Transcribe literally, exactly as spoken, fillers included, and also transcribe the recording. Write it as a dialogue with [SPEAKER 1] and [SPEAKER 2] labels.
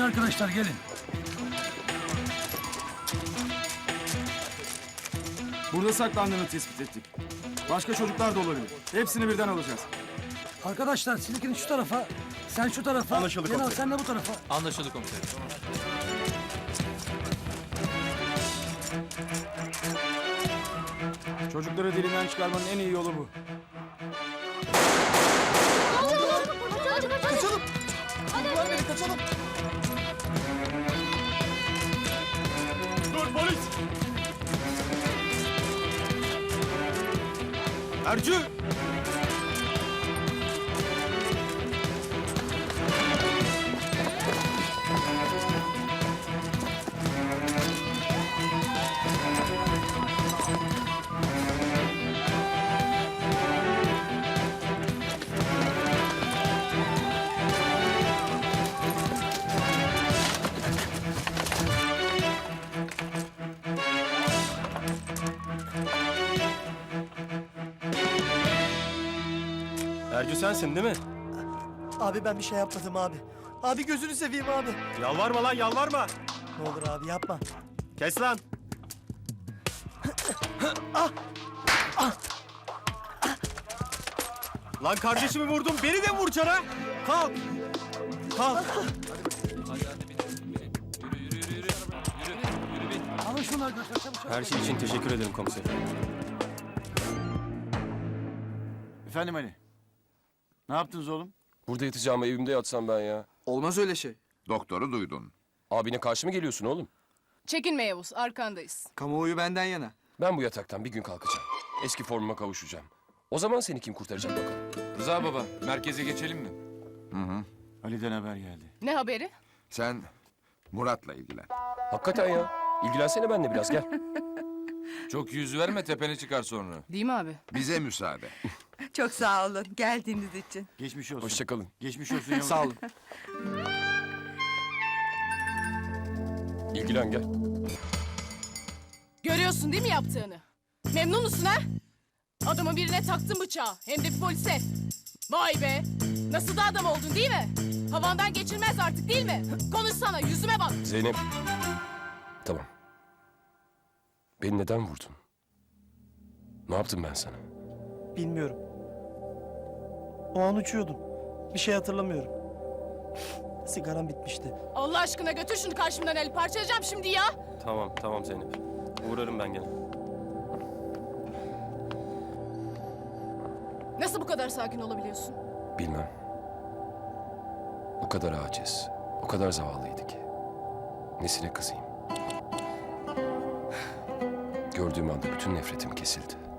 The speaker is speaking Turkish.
[SPEAKER 1] arkadaşlar gelin.
[SPEAKER 2] Burada saklandığını tespit ettik. Başka çocuklar da olabilir. Hepsini birden alacağız.
[SPEAKER 1] Arkadaşlar siz ikiniz şu tarafa. Sen şu tarafa.
[SPEAKER 3] Anlaşıldı
[SPEAKER 1] Cenal
[SPEAKER 3] komiserim.
[SPEAKER 1] sen de bu tarafa.
[SPEAKER 4] Anlaşıldı komiserim.
[SPEAKER 2] Çocukları dilinden çıkarmanın en iyi yolu bu.
[SPEAKER 3] Kaçalım. Ver beni kaçalım. Dur polis.
[SPEAKER 2] Ercü!
[SPEAKER 3] Ercü sensin değil mi?
[SPEAKER 5] Abi ben bir şey yapmadım abi. Abi gözünü seveyim abi.
[SPEAKER 3] Yalvarma lan yalvarma.
[SPEAKER 5] Ne olur abi yapma.
[SPEAKER 3] Kes lan. Lan kardeşimi vurdun beni de vuracaksın ha. Kalk. Kalk.
[SPEAKER 1] Alın şunu arkadaşlar çabuk çabuk.
[SPEAKER 3] Her şey için teşekkür ederim komiserim.
[SPEAKER 6] Efendim Ali. Ne yaptınız oğlum?
[SPEAKER 7] Burada yatacağıma evimde yatsam ben ya.
[SPEAKER 2] Olmaz öyle şey.
[SPEAKER 8] Doktoru duydun.
[SPEAKER 7] Abine karşı mı geliyorsun oğlum?
[SPEAKER 9] Çekinme Yavuz, arkandayız.
[SPEAKER 2] Kamuoyu benden yana.
[SPEAKER 7] Ben bu yataktan bir gün kalkacağım. Eski formuma kavuşacağım. O zaman seni kim kurtaracak bakalım.
[SPEAKER 4] Rıza baba, merkeze geçelim mi?
[SPEAKER 6] Ali'den haber geldi.
[SPEAKER 9] Ne haberi?
[SPEAKER 8] Sen Murat'la ilgilen.
[SPEAKER 7] Hakikaten ya. İlgilensene benimle biraz gel.
[SPEAKER 4] Çok yüz verme, tepene çıkar sonra.
[SPEAKER 9] Değil mi abi?
[SPEAKER 8] Bize müsaade.
[SPEAKER 10] Çok sağ olun geldiğiniz için.
[SPEAKER 6] Geçmiş olsun.
[SPEAKER 7] Hoşçakalın.
[SPEAKER 6] Geçmiş olsun Yavuz.
[SPEAKER 2] Sağ olun.
[SPEAKER 7] İlgilen gel.
[SPEAKER 9] Görüyorsun değil mi yaptığını? Memnun musun ha? Adamın birine taktın bıçağı, hem de bir polise. Vay be! Nasıl da adam oldun değil mi? Havandan geçilmez artık değil mi? Konuşsana, yüzüme bak.
[SPEAKER 7] Zeynep. Tamam. Beni neden vurdun? Ne yaptım ben sana?
[SPEAKER 5] Bilmiyorum. O an uçuyordum. Bir şey hatırlamıyorum. Sigaram bitmişti.
[SPEAKER 9] Allah aşkına götür şunu karşımdan Ali, parçalayacağım şimdi ya.
[SPEAKER 3] Tamam tamam Zeynep. Uğrarım ben gene.
[SPEAKER 9] Nasıl bu kadar sakin olabiliyorsun?
[SPEAKER 7] Bilmem. O kadar aciz, o kadar zavallıydı ki. Nesine kızayım? Gördüğüm anda bütün nefretim kesildi.